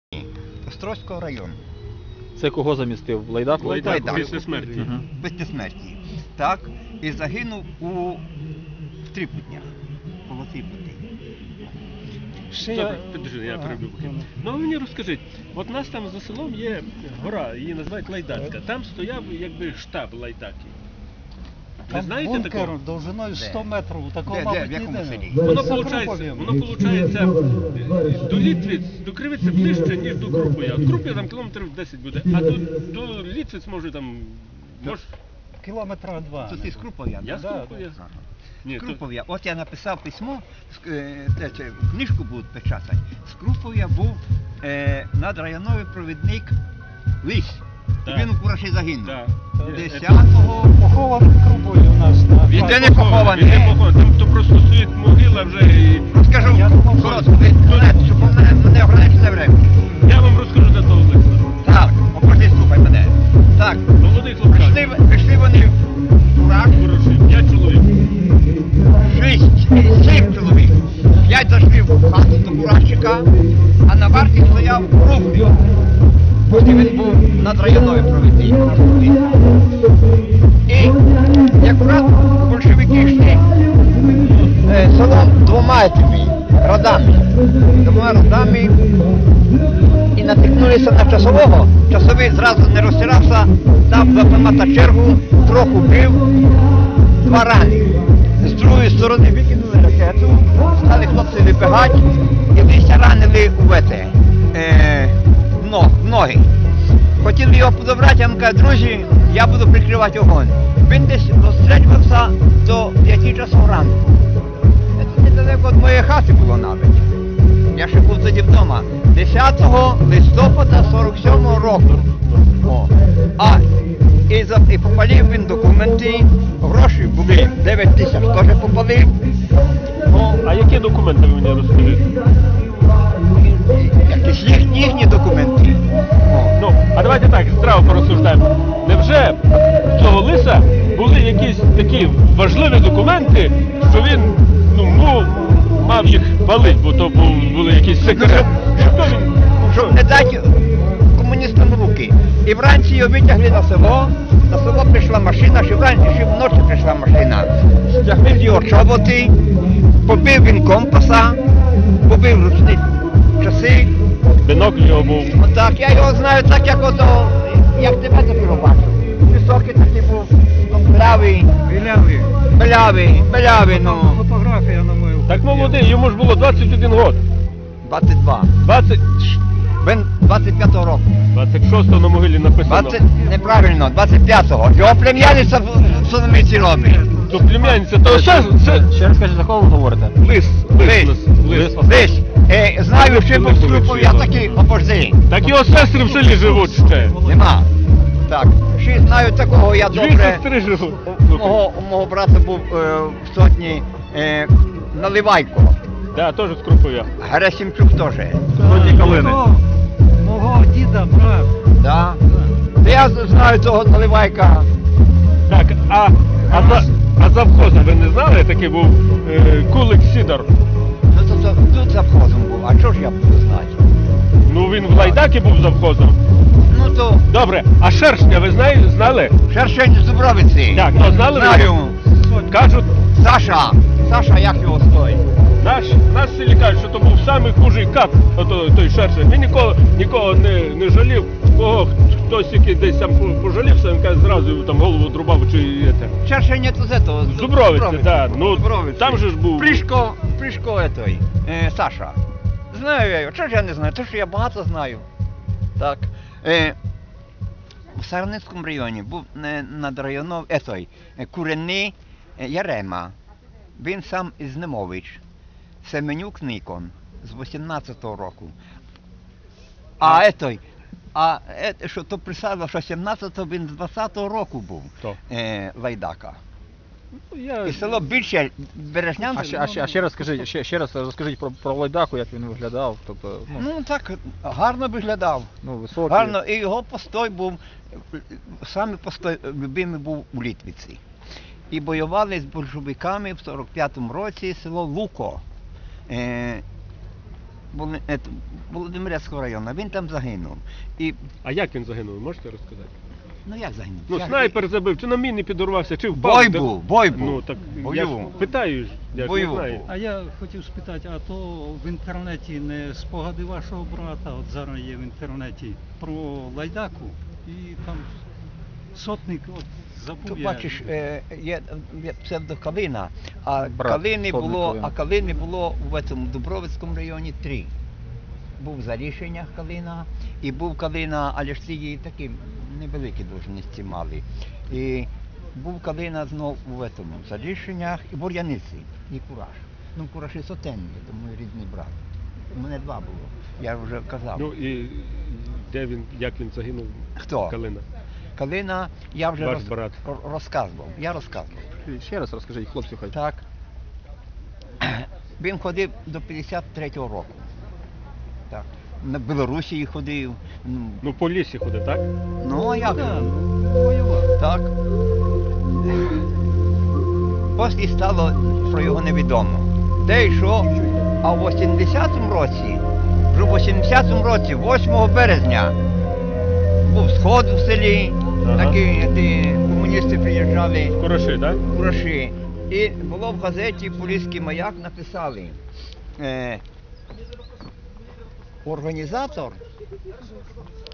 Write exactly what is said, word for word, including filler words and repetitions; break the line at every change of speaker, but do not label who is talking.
Острозького району.
Це кого замістив? Лайдаку?
Лайдаку,
Лайдаку,
Лайдаку.
після смерті.
Угу.
Після смерті. Так, і загинув у в Трипутнях. Коло Трипутні.
Добре, підожди, я перебив. Ну ви мені розкажіть, от у нас там за селом є гора, її називають Лайдацька. Там стояв якби штаб Лайдаки. Ви
Там
знаєте
бункер
такого?
довжиною сто метрів, такого,
Де, де,
мабуть,
в якому
ніде
селі?
немає.
Воно
За
виходить,
Крупов'ям.
воно виходить до Літвиць, до Кривиці ближче, ніж до Круп'я. От Круп'я там кілометрів десять буде, а до, до Літвиць може там, може...
Кілометра два.
Це ти з Крупов'я?
Я з
Да,
Круп'я.
Ага.
Ні,
З
то-
Крупов'я. От я написав письмо, ск- е, те, це, книжку будуть печатати. З Крупов'я був е, надрайоновий провідник Лись.
Так.
Він у Кураші загинув.
Так.
десятого
Похований Крупою у нас. на
Він
Де
фасі.
не похований?
Він не похований, там то просто стоїть могила вже і...
Розкажу
Я думав,
коротко, ви знаєте, щоб мене, мене ограничене время.
Я вам розкажу за того Олекса.
Так, опожди, слухай мене. Так,
Молодий хлопчак.
пішли, пішли вони в Кураш,
Хороший, п'ять чоловік.
шість, сім чоловік. П'ять зайшли в хату до Курашчика, а на варті стояв Крупний. І він був надрайоновий провідник. І якраз большевики йшли е, селом двома тобі родами. Двома родами і натикнулися на часового. Часовий зразу не розтирався, дав з автомата чергу, трохи бив, два рани. З другої сторони викинули ракету, стали хлопці вибігати і десь ранили у вете, е, в но- в ноги. Хотіли його подобрати, я йому кажу, друзі, я буду прикривати огонь. Він десь розстрілювався до п'яти часов ранку. Це недалеко від моєї хати було навіть. Я ще був тоді вдома. десятого листопада сорок сьомого року. О. А, і, за, і попалив він документи, гроші були дев'ять тисяч, теж попалив. О,
А які документи ви мені розкажіть?
якісь їх, їхні документи. О.
Ну, а давайте так, здраво порозсуждаємо. Невже в цього лиса були якісь такі важливі документи, що він, ну, мов, мав їх палити, бо то був, були якісь секрети? Що він?
Що не дати комуністам руки. І вранці його витягли на село, на село прийшла машина, ще вранці, ще вночі прийшла машина. Стягнув його чоботи, побив він компаса, побив ручні часи.
Бінокль його був.
Отак, я його знаю так, як ото, як тебе тепер бачу. Високий такий був, ну, белявий,
Білявий.
белявий, белявий, ну,
Фотографія на мою.
Так молодий, йому ж було двадцять один год.
двадцять два.
двадцять...
Він двадцять п'ятого року.
двадцять шостого на могилі написано.
двадцять, неправильно, двадцять п'ятого. Його плем'яниця в в Соломіці робить.
То племянниця, то це, це
Ще раз скажіть, за кого ви говорите?
лис, лис,
Лис,
лис.
Десь, е, знаю, що був Крупов, я такий, опожди.
Так його сестри в селі живуть ще.
Нема. Так, ще знаю такого, я
Дві
добре.
сестри живуть.
У мого, у мого брата був е, в сотні е, Наливайко.
Да, теж з Круповя.
Герасимчук теж.
Сотні калини.
Мого, мого діда, брат.
Да. Та я знаю цього Наливайка.
Так, а, а, за, а завхозом ви не знали? Такий був е, Кулик Сідор.
Ну то, то тут завхозом був, а чого ж я буду знати?
Ну він в Лайдакі був завхозом.
Ну то
Добре, а Шершня ви знаєте, знали?
Шершень з Дубровиці.
Так, то знали ви?
Знаю.
Кажуть,
Саша. Саша, як його стоїть?
наш, наш селі кажуть, що то був самий хужий кат, ото, той Шершень. Він нікого, нікого не, не жалів, кого хтось який десь там пожалівся, він каже, зразу там голову друбав чи це.
Шершень це з этого.
З Дубровиці, так. Ну,
Дубровиці.
там же ж був.
Пришко, Пришко этой, е, Саша. Знаю я його. Чого ж я не знаю? Тому що я багато знаю. Так. Е, в Сарницькому районі був е, над районом, етой, е, Куренний е, Ярема. Він сам із Немович. Семенюк Никон з вісімнадцятого року. А етой, а е, що то присадило, що сімнадцятого він з двадцятого року був.
Хто?
Е, Лайдака.
Ну, я...
І село більше Бережнянське.
А ще, а ще, а ще раз скажіть, ще, ще раз розкажіть про, про Лайдаку, як він виглядав. Тобто, ну,
Ну так, гарно виглядав.
ну високий.
Гарно, і його постой був, саме постой любимий був у Літвиці. І воювали з большевиками в сорок п'ятому році село Луко. Е, Воло- ет, Володимирецького району. Він там загинув. І,
А як він загинув, можете розказати?
ну як загинув?
Ну,
Я-
снайпер забив, чи на міні підорвався, чи впав.
Бой
де-
був, бой був.
Ну, так я
Бою.
ж питаю, ж, я ж не
Бою
знаю.
був.
А я хотів спитати, а то в інтернеті не спогади вашого брата, от зараз є в інтернеті, про лайдаку, і там сотник, от забув
Тут
я.
бачиш, е, є, є псевдо Калина, а
Брат
Калини
Сотник
було,
Калина.
а Калини було в цьому Дубровицькому районі три. Був за рішеннях Калина, і був Калина, але ж ці її такі невеликі должності мали. І був Калина знов у цьому за рішеннях і Бур'яниці, і Кураж. Ну, Кураж і Сотенний, це мій рідний брат. У мене два було, я вже казав.
Ну і де він, як він загинув?
Хто?
Калина.
Калина, я вже
Ваш
роз-
брат.
ро- розказував, я розказував.
Ще раз розкажіть, хлопці, хай.
Так. Він ходив до п'ятдесят третього року. Так. На Білорусі ходив. Ну,
Ну, по лісі ходить, так?
ну а як?
Да,
же?
ну, воював.
Так. Після стало, що його невідомо. Де йшов, а в вісімдесятому році, вже в вісімдесятому році, восьмого березня, був сход в селі,
Ага.
такі ті, комуністи приїжджали.
Хороший, так?
Гроші. І було в газеті «Поліський маяк» написали, е, організатор